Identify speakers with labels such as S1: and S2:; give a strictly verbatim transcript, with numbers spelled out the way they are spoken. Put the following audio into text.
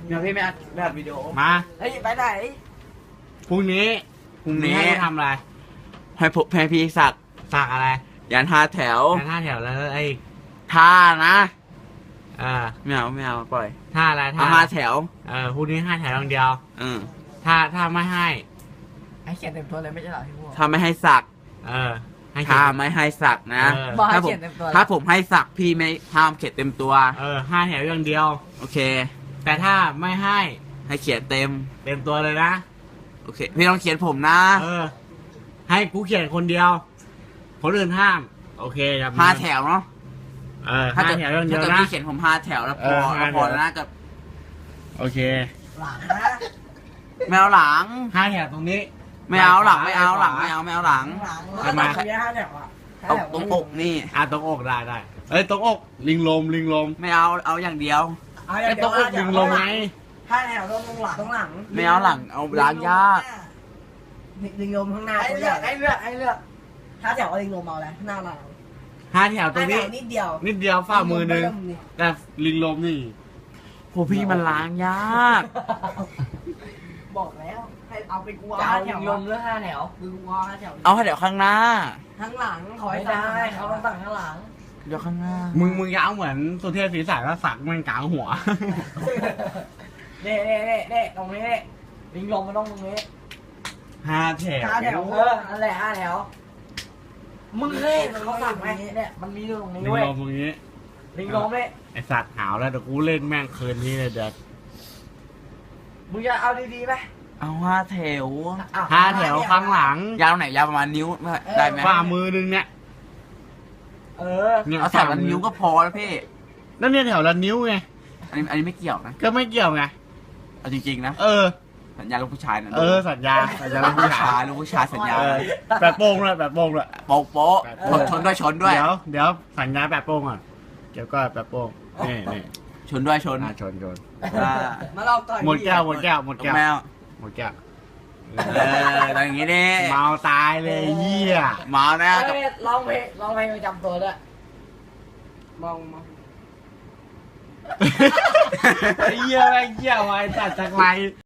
S1: เดี๋ยวพี่ไม่อัดไม่อัดวิดีโอ
S2: มา
S1: เฮ้ยไปไหน
S2: พรุ่งนี้
S1: พรุ่งนี้
S2: ให้กูทำอะไร
S1: ให้ผมให้พี่สัก
S2: สักอะไร
S1: ยันห้าแถว
S2: แค่ห้าแถวแล้วไอ้
S1: ท่านะ
S2: เออ
S1: ไม่เอาไม่เอาปล่อย
S2: ท่าอะไรท่า
S1: เอาห้าแถว
S2: เออพรุ่งนี้ห้าแถวอย่างเดียว
S1: อืม
S2: ถ้าถ้าไม่ให้
S3: ให้เขียนเต็มตัวเลยไม่ใช่เหรอพี่พวก
S1: ถ้าไม่ให้สัก
S2: เออให้
S1: ถ้า
S2: เขียน
S1: ไม่ให้สักนะ
S2: เออ
S3: บอกให้
S1: ถ้าผม
S3: เขียนเต็มตัว
S1: ถ้าผมให้สักพี่ไม่ห้ามเขียนเต็มตัว
S2: เออห้าแถวอย่างเดียว
S1: โอเค
S2: แต่ถ้าไม่ให้
S1: ให้เขียนเต็ม
S2: เต็มตัวเลยนะ
S1: โอเค พี่ต้องเขียนผมนะ
S2: เออ ให้กูเขียนคนเดียว คนอื่นห้าม โอเคครับ
S1: ห้าแถวเนาะ
S2: เออ
S1: ถ้า
S2: ห้า
S1: เกิด
S2: แถวอย่างเดี
S1: ถ้า
S2: ยว
S1: เกิด
S2: นะ
S1: พี่เขียนผมห้าแถวแล้วพ
S2: เอ
S1: อ
S2: อห้า
S1: แล้วพอ
S2: แถว
S1: แล้วนะกับ
S2: โอเค
S3: หลังนะ
S1: ไม่เอาหลัง
S2: ห้าแถวตรงนี้
S1: ไม่เอาหลังไม่เอาหลังไม่เอาไม่เอาหลัง
S3: หลัง
S2: ทำไม
S3: มีห้าแถวอ่ะ
S1: เอาตรงอกนี่
S2: อ่ะตรงอกได้ได้เอ้ยตรงอก ลิงลมลิงลม
S1: ไม่เอาเอาอย่างเดียว
S3: เอา
S2: ไอ้ตรงอกลิงลมไง
S3: ห้าแถวตรงหลังตรงหลัง
S1: ไม่เอาหลังเอาล้างยาก
S3: ลิงลมข้างหน้าให้เลือกให้เลือกให้เลือกห้าแถวเอาลิงลมเอาแล้วหน้าเรา
S2: ห้าแถวตร
S3: ห้าง แถ
S2: นี้
S3: วนิดเดียว
S2: นิดเดียวฝ่ามือหนึงแต่ลิงลมนี่
S1: โหพี่มันล้างยาก
S3: บอกแล้วให้เอาไปกลัว
S4: จะ
S3: ห้า
S4: เอา
S3: แถ
S4: ลิ
S3: ว
S4: งลมหรือห้าแถว
S3: คือกลัวห้าแถว
S1: เอาให้เดี๋ยวข้างหน้า
S3: ข้างหลังขอให้
S4: ไม่
S3: ได้
S4: ได้
S3: เขา
S4: เขา
S3: ต้
S4: ต้
S3: อ
S4: อง ง
S3: สั่
S4: สั่
S3: ง
S4: งข้างหลัง
S1: เดี๋ยวข้างหน้า
S2: มึงมึงอยาวเหมือนสุเทพศรีสายก็สักแม่งกลางหัว
S4: เน่เน่เน่เน่ตรงนี้เน่ลิงลมมันต้องตรงนี้
S2: ห้าแถว
S3: ห้าแถว
S4: เออนั่นแหละห้าแถว มึงเคยเห็นเขาสั่งไหมเนี่ยมันมีอยู่ตรงนี้
S2: ลิง
S4: เว้ย
S2: ลมตรงนี้
S4: ลิงลมเนี่ย
S2: ไอสัตว์หาวแล้วเดี๋ยวกูเล่นแม่งคืนนี้เลยเดี๋ยว
S4: มึงจะเอาดีๆไหม
S1: เอาห้าแถว
S4: อ้าว
S2: ห้าแถวข้างหลัง
S1: ยาวไหนยาวประมาณนิ้วได้ไหม
S2: ฝ่ามือหนึงเนี่ย
S4: เออ
S2: เนี่ย
S1: เอาแถวละนิ้วก็พอแล้วพี่
S2: นั่นเนี่ยแถวละนิ้วไง
S1: อันนี้อันนี้ไม่เกี่ยวนะ
S2: ก็ไม่เกี่ยวไง
S1: เอาจริงๆนะ
S2: เออ
S1: สัญญาลูกผู้ชายนะ
S2: เออสัญญาสัญญา
S1: ลู
S2: ลู
S1: ก
S2: ก
S1: ผู้
S2: ผู้
S1: ชา
S2: ชาย ย
S1: ลูกผู้ชายสัญญา
S2: เออแบบโป้งเลยแบบโป้งเลย
S1: โป๊ะโป๊ะ
S2: เออ
S1: ชนด้วยชนด้วย
S2: เดี๋ยวเดี๋ยวสัญญาแบบโป้งก่อนเดี๋ยวก็แบบโป้งนี่นี่
S1: ชนด้วยชน
S2: อ่ะชนชน
S1: อ่า
S3: มาลองต่อย
S2: หมดแก้วหมดแก้วหมดแก้ว
S1: แมว
S2: หมดแก้ว
S1: เออตอนอย่างงี้ดิ
S2: เมาตายเลยเหี้ย
S1: เมานะกับ
S4: เอ้ยร้องเพลงร้องเพลงประจำตัวด้วย
S3: มองมอง
S2: ไอ้เหี้ยแม่งเหี้ยไว้ตัดจากไร